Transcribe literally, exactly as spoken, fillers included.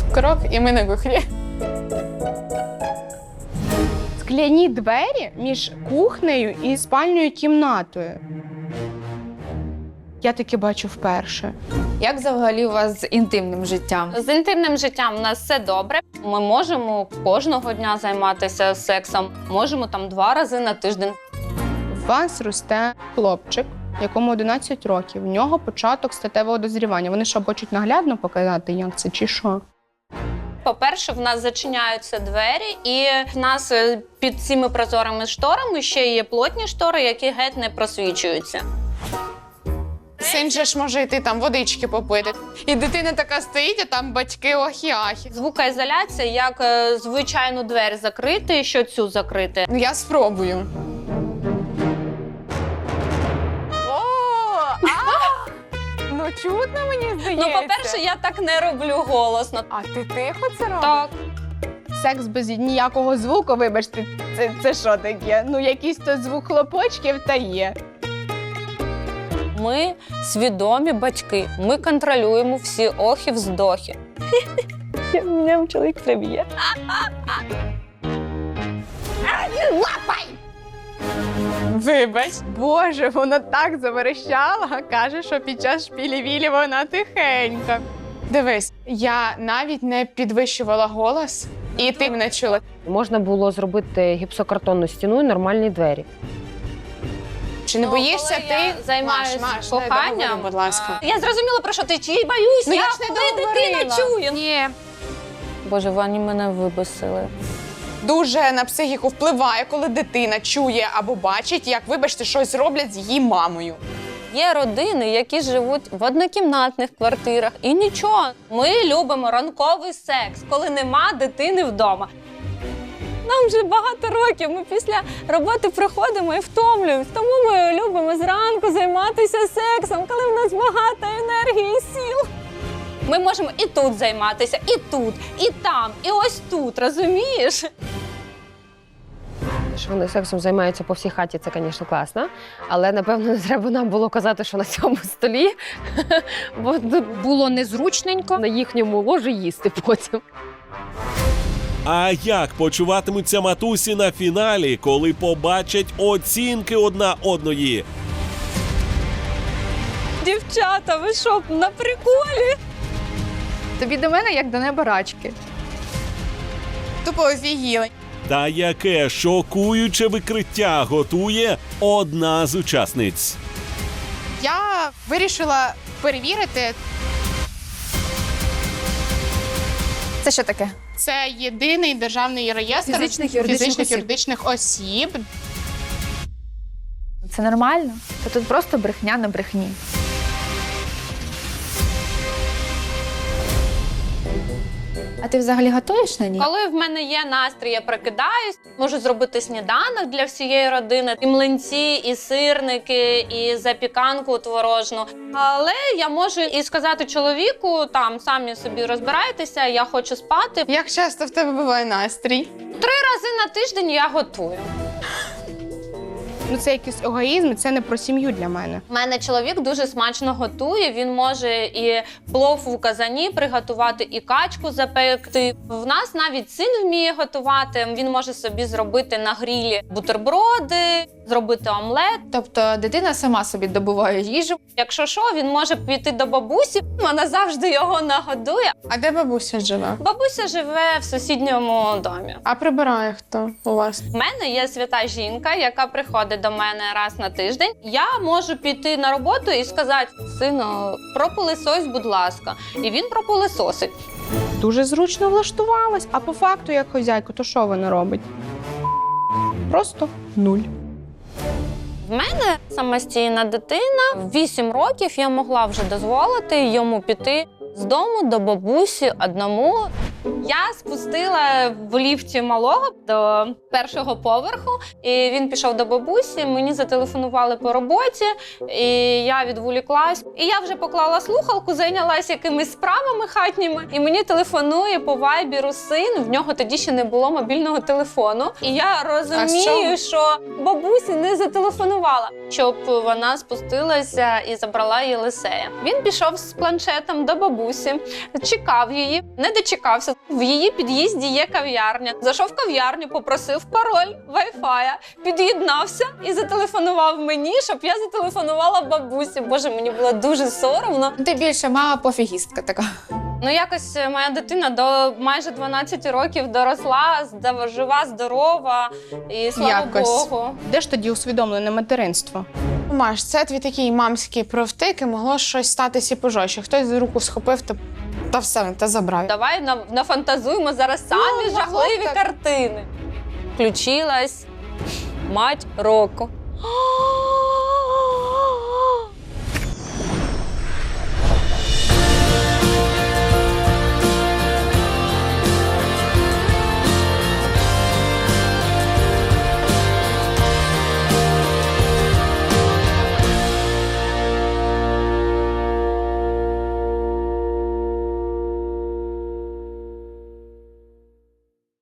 Крок, і ми на кухні. Скляні двері між кухнею і спальною кімнатою. Я таке бачу вперше. Як взагалі у вас з інтимним життям? З інтимним життям у нас все добре. Ми можемо кожного дня займатися сексом, можемо там два рази на тиждень. У вас росте хлопчик, якому одинадцять років. В нього початок статевого дозрівання. Вони що, хочуть наглядно показати, як це, чи що? По-перше, в нас зачиняються двері, і в нас е, під цими прозорими шторами ще є плотні штори, які геть не просвічуються. Син же ж може йти там водички попити. І дитина така стоїть, а там батьки охі-ахі. Звукоізоляція, як е, звичайну двері закрити, що цю закрити. Ну я спробую. Ну, чутно, мені здається. Ну, по-перше, я так не роблю голосно. А ти тихо це робиш? Так. Секс без ніякого звуку, вибачте, це, це що таке? Ну, якийсь то звук хлопочків та є. Ми свідомі батьки. Ми контролюємо всі охи-вздохи. Мене чоловік приб'є. Вибач. Боже, вона так заверещала, каже, що під час шпілі-вілі вона тихенька. Дивись, я навіть не підвищувала голос, і ти мене чула. Можна було зробити гіпсокартонну стіну і нормальні двері. Чи не Ну, боїшся коли ти? я займаюся Маш, Маш, коханням, дай договорю, будь ласка. Я зрозуміла, про що ти чи боюсь, Ну, я, я ж не коли договорила. дитина чує. Ні. Боже, вони мене вибесили. Дуже на психіку впливає, коли дитина чує або бачить, як, вибачте, щось роблять з її мамою. Є родини, які живуть в однокімнатних квартирах, і нічого. Ми любимо ранковий секс, коли нема дитини вдома. Нам вже багато років, ми після роботи приходимо і втомлюємось. Тому ми любимо зранку займатися сексом, коли в нас багато енергії і сил. Ми можемо і тут займатися, і тут, і там, і ось тут, розумієш? Що вони сексом займаються по всій хаті, це, звісно, класно. Але, напевно, не треба нам було казати, що на цьому столі, бо було незручненько на їхньому ложі їсти потім. А як почуватимуться матусі на фіналі, коли побачать оцінки одна одної? Дівчата, ви що, на приколі? Тобі до мене, як до неба рачки. Тупо офігіли. Та яке шокуюче викриття готує одна з учасниць? Я вирішила перевірити. Це що таке? Це єдиний державний реєстр Фізичних, юридичних фізичних, осіб. юридичних осіб. Це нормально? Та тут просто брехня на брехні. А ти взагалі готуєш на ній? Коли в мене є настрій, я прокидаюсь, можу зробити сніданок для всієї родини, і млинці, і сирники, і запіканку творожну. Але я можу і сказати чоловіку, там, самі собі розбирайтеся, я хочу спати. Як часто в тебе буває настрій? Три рази на тиждень я готую. Ну, це якийсь егоїзм, це не про сім'ю для мене. У мене чоловік дуже смачно готує, він може і плов у казані приготувати, і качку запекти. В нас навіть син вміє готувати, він може собі зробити на грілі бутерброди, зробити омлет. Тобто дитина сама собі добуває їжу. Якщо що, він може піти до бабусі, вона завжди його нагодує. А де бабуся живе? Бабуся живе в сусідньому домі. А прибирає хто у вас? У мене є свята жінка, яка приходить до мене раз на тиждень. Я можу піти на роботу і сказати: сину, пропилисось, будь ласка. І він пропилисосить. Дуже зручно влаштувалась. А по факту, як хозяйка, то що вона робить? Просто нуль. В мене самостійна дитина. В вісім років я могла вже дозволити йому піти з дому до бабусі одному. Я спустила в ліфті малого до першого поверху, і він пішов до бабусі, мені зателефонували по роботі, і я відволіклась. І я вже поклала слухалку, зайнялася якимись справами хатніми, і мені телефонує по вайберу син, в нього тоді ще не було мобільного телефону. І я розумію, що бабусі не зателефонувала, щоб вона спустилася і забрала Єлисея. Він пішов з планшетом до бабусі, чекав її, не дочекався. В її під'їзді є кав'ярня. Зайшов в кав'ярню, попросив пароль вайфая, під'єднався і зателефонував мені, щоб я зателефонувала бабусі. Боже, мені було дуже соромно. Ти більше мама пофігістка така. Ну, якось моя дитина до майже дванадцяти років доросла, здав- жива, здорова, і слава Якось. Богу. Де ж тоді усвідомлене материнство? Маш, це твій такий мамський провтик, і могло щось статися і пожорстче. Хтось за руку схопив та, та все, та забрав. Давай на- нафантазуємо зараз самі Ну, могло жахливі так. картини. Включилась мать року.